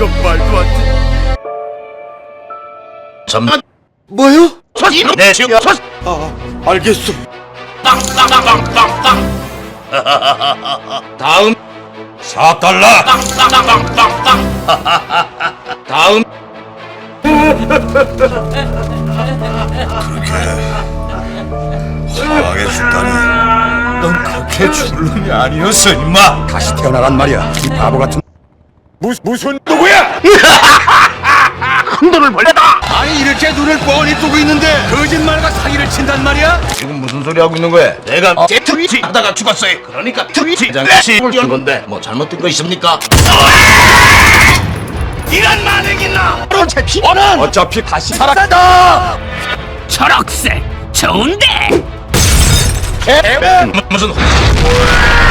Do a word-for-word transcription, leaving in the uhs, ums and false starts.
이런 말도 안 돼. 잠깐. 뭐요? 내 지금 아, 알겠어. 땅땅땅땅땅땅. 다음 사 달러. 땅땅땅땅땅. 다음 화하게 죽다니. 넌 그렇게 죽을 놈이 아니었어, 임마. 다시 태어나란 말이야. 이 바보 같은. 무, 무슨 누구야? 큰 돈을 벌렸다. 아니 이렇게 눈을 뻔히 뜨고 있는데 거짓말과 사기를 친단 말이야? 지금 무슨 소리 하고 있는 거야? 내가 제 트위치 하다가 죽었어요. 그러니까 트위치 장치 한 건데 뭐 잘못된 거 있습니까? 이런 만행이나 어차피 원은 어차피 다시 살아간다. 초록색 좋은데. 무슨